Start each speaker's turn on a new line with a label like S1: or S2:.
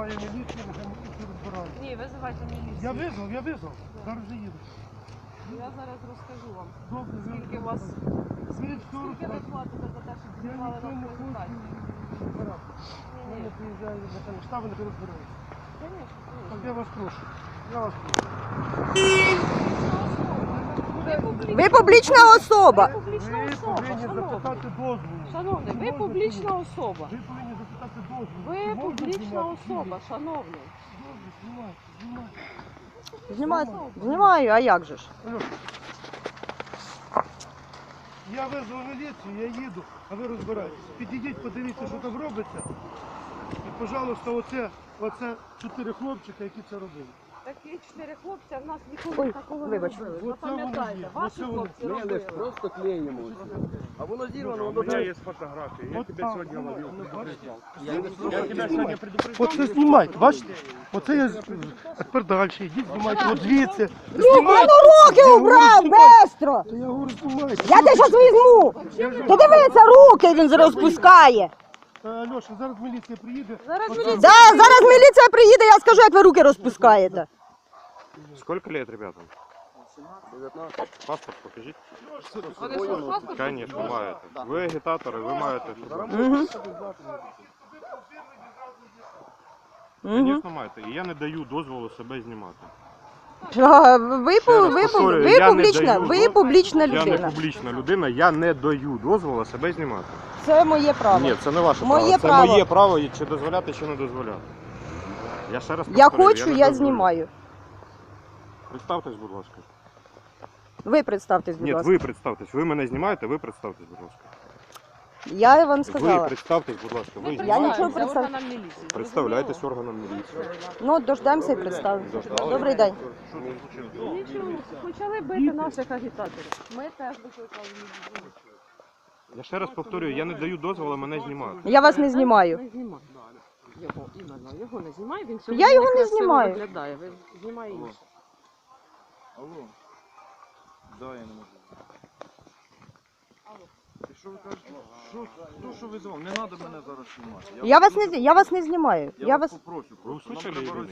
S1: визиваю міліцію, нехай міліцію розбирають.
S2: Ні, визивайте міліцію.
S1: Я визвав. Зараз же їду.
S2: Я зараз розкажу вам.
S1: Добре,
S2: Скільки у вас...
S1: Скільки
S2: Скільки ви платите за те, щоб
S1: Я
S2: знімали
S1: нічого
S2: на
S1: не хочу
S2: презентацію?
S1: розбирати. Я приїжджаю на там штаби, нехай розбираються. Так я вас прошу. Я вас прошу.
S3: Ви публічна особа.
S2: Ви публічна
S1: Ви
S2: особа,
S1: повинні
S2: шановний.
S1: запитати дозволу.
S2: Шановний, ви публічна особа.
S1: Ви повинні запитати дозволу.
S2: Ви
S1: Чи можна
S2: публічна
S1: знімати
S2: особа,
S1: фільм?
S2: шановний.
S1: Добре, знімайте, знімайте.
S3: Знімаю, а як же ж?
S1: Алло. Я визвав міліцію, я їду, а ви розбираєтесь. Підійдіть, подивіться, що там робиться. І, пожалуйста, оце 4 хлопчика, які це робили.
S2: Такі 4 хлопці, а в нас ніколи
S3: Ой,
S2: такого не
S3: вибач.
S2: робили.
S1: Оце вони
S2: Запам'ятайте,
S1: є,
S2: ваші
S1: оце вони.
S2: хлопці
S4: Мы лишь
S2: робили.
S4: просто клеим его. А воно зірвано,
S5: У
S4: воно
S5: меня
S4: даже...
S5: есть фотографии. Я
S1: Вот
S5: тебя
S1: так.
S5: сегодня ловил. предупреждал.
S4: Я
S5: Я тебя сегодня предупреждал.
S1: Оце знімайте, бачите? Оце я тепер далі, йдіть, знімайте, от звідси.
S3: Руки убрав, бистро!
S1: Я говорю, знімайте.
S3: Я тебе зараз візьму! Ти дивися, руки він розпускає.
S1: Льоша, зараз міліція приїде.
S2: Зараз
S1: Оце-
S2: міліція.
S3: Да, зараз міліція приїде, я скажу, як ви руки розпускаєте.
S5: Сколько лет, ребята?
S4: 19.
S5: Паспорт покажите.
S2: Вони що, паспорт?
S5: Конечно, маєте. Ви агітатори, ви маєте. Звісно, маєте. І я не даю дозволу себе знімати.
S3: Ви публічна
S5: Я не
S3: людина.
S5: публічна людина, я не даю дозволу себе знімати.
S3: Це моє право.
S5: Ні, це не ваше
S3: Моє
S5: право.
S3: право.
S5: Це моє право, чи дозволяти, чи не дозволяти. Я ще раз
S3: Я
S5: повторюю,
S3: хочу,
S5: не
S3: я
S5: дозволю.
S3: знімаю.
S5: Представтесь, будь ласка.
S3: Ви представтесь, будь
S5: Ні,
S3: ласка.
S5: ви представтесь. Ви мене знімаєте, ви представтесь, будь ласка.
S3: Я вам
S5: Ви
S3: сказала.
S5: представтесь, будь ласка. Ви
S3: Я
S5: знімаєте?
S3: нічого представ-
S2: органам міліції.
S5: Представляйтесь органам міліції.
S3: Ну, дождемося і представимо. Добрий день.
S2: Нічого, почали бити наших агітаторів. Ми теж викликали міліцію.
S5: Я ще раз повторюю, я не даю дозволу мене знімати.
S3: Я вас не знімаю.
S2: Не знімай. Його, іменно, його не знімай, він сьогодні
S3: Я його не
S2: некрасиво
S3: знімаю.
S2: виглядає. Ви знімай інше.
S4: Алло. Да, я не можу. І що ви кажете? Що визвав? Не треба мене зараз знімати.
S3: Я вас не знімаю.
S4: Я вас попрошу.
S5: Ви услышали?